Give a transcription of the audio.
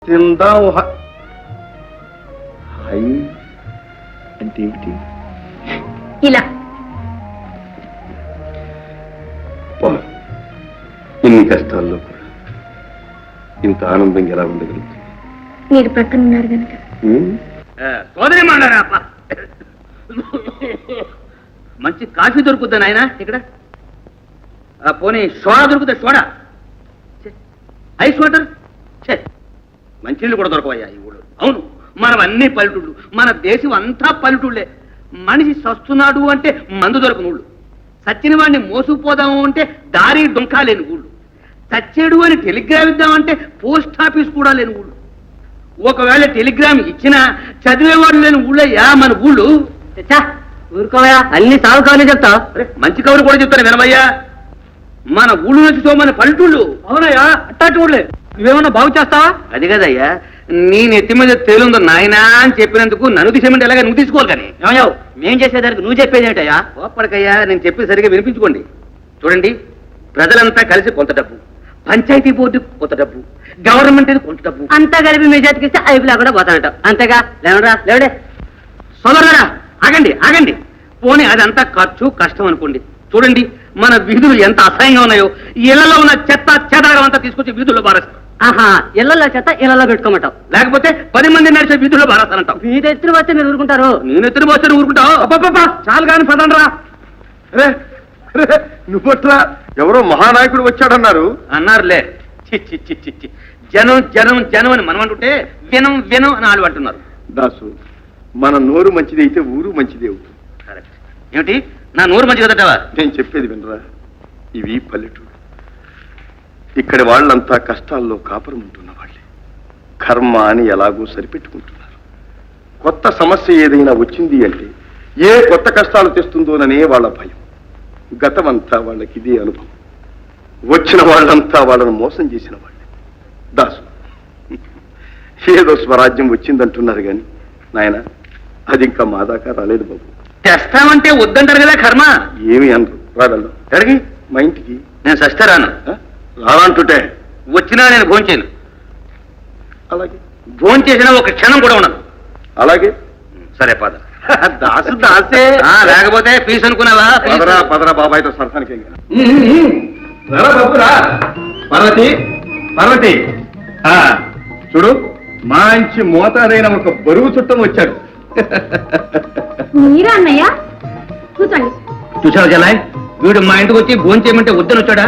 తిందాం హై అంటే ఏమిటి? ఇలా ఇన్ని కష్టాల్లో కూడా ఇంత ఆనందంగా ఎలా ఉండగలుగుతుంది? మీరు ప్రక్కన ఉన్నారు కనుక. సోదరి మాడారా మంచి కాఫీ దొరుకుద్దా నాయన ఇక్కడ? పోనీ సోడా దొరుకుతా? సోడా, ఐస్ వాటర్, మంచినీళ్ళు కూడా దొరకవయ్యా ఈ ఊళ్ళో. అవును, మనం అన్ని పల్లెటూళ్ళు, మన దేశం అంతా పల్లెటూళ్ళే. మనిషి సస్తున్నాడు అంటే మందు దొరకని ఊళ్ళు, సచ్చిన వాడిని మోసుకుపోదాము అంటే దారి డొంకా లేని ఊళ్ళు, చచ్చేడు అని టెలిగ్రామ్ ఇద్దామంటే పోస్ట్ ఆఫీస్ కూడా లేని ఊళ్ళు. ఒకవేళ టెలిగ్రామ్ ఇచ్చినా చదివేవాడు లేని ఊళ్ళయ్యా మన ఊళ్ళు. ఊరుకోవయా, అన్ని సాగు కవర్లు చెప్తా. మంచి కవులు కూడా చెప్తాను వినవయ్యా. మన ఊళ్ళు నుంచి మన పల్లెటూళ్ళు. అవునయ్యా, అట్టాటి ఊళ్ళే. నువ్వేమన్నా బాగు చేస్తావా? అది కదయ్యా, నీ నెత్తి మీద తేలుందో నాయనా అని చెప్పినందుకు నన్ను తీసేమంటే ఎలాగ నువ్వు తీసుకోవాలి. కానీ ఏమయ్యావు, మేం చేసేదానికి నువ్వు చెప్పేది ఏంటయ్యా? ఓపడికయ్యా, నేను చెప్పి సరిగా వినిపించుకోండి. చూడండి, ప్రజలంతా కలిసి కొంత డబ్బు, పంచాయతీ బోర్డు కొంత డబ్బు, గవర్నమెంట్ కొంత డబ్బు అంతా కలిపి మీ చేతికి ఇస్తే ఐపులా కూడా పోతానట. అంతేగా? లేవరా లేవడే. సోదరులారా, ఆగండి ఆగండి. పోనీ అదంతా ఖర్చు కష్టం అనుకోండి. చూడండి, మన వీధులు ఎంత అసహ్యంగా ఉన్నాయో. ఇళ్లలో ఉన్న చెత్త చెదారం అంతా తీసుకొచ్చి వీధుల్లో బారేస్తారు. ఆహా, ఇళ్లలో చెత్త ఇళ్లలో పెట్టుకోమంటావు, లేకపోతే 10 మంది నడిచే వీధుల్లో బారేస్తానంటావు. మీద ఎత్తున వస్తే మీరు ఊరుకుంటారు. నేను ఎత్తున పోస్తే ఊరుకుంటావు? చాలు కాని పదండ్రా. నువ్వట్రా, ఎవరో మహానాయకుడు వచ్చాడన్నారు. అన్నారులే. చి చి చి చి చి. జనం జనం జనం అని మనం అంటుంటే వినం వినం అని వాళ్ళు అంటున్నారు. దాసు, మన నోరు మంచిది అయితే ఊరు మంచిది అవుతుంది. కరెక్ట్. ఏమిటి, నా నోరు మంచి కదటవా? నేను చెప్పేది వినరా, ఇవి పల్లెటూరు. ఇక్కడి వాళ్ళంతా కష్టాల్లో కాపురం ఉంటున్న వాళ్ళే. కర్మ అని ఎలాగో సరిపెట్టుకుంటున్నారు. కొత్త సమస్య ఏదైనా వచ్చింది అంటే ఏ కొత్త కష్టాలు తెస్తుందోననే వాళ్ళ భయం. గతమంతా వాళ్ళకి ఇదే అనుభవం. వచ్చిన వాళ్ళంతా వాళ్ళను మోసం చేసిన వాళ్ళే. దాసు, ఏదో స్వరాజ్యం వచ్చిందంటున్నారు కానీ నాయన, అది ఇంకా మా దాకా రాలేదు బాబు. తెస్తామంటే వద్దంటారు కదా కర్మ. ఏమి అనరు. రాగలరు ఎక్కడికి? మా ఇంటికి. నేను సస్తే రాను. రానంటుంటే వచ్చినా నేను భోంచేయను. అలాగే భోంచేసినా ఒక క్షణం కూడా ఉండను. అలాగే. సరే పద. దాసు దాసే. లేకపోతే ఫీజు అనుకున్నావా? పదరా పదరా బాబాయ్తో సరసానికి. పార్వతి పార్వతి, చూడు, మంచి మోతాదైన ఒక బరువు చుట్టం వచ్చాడు. మీరా అన్నయ్య? కూర్చోండి. చూసావు జలాయ్, వీడు మా ఇంటికి వచ్చి భోంచేయమంటే వద్దని వచ్చాడా?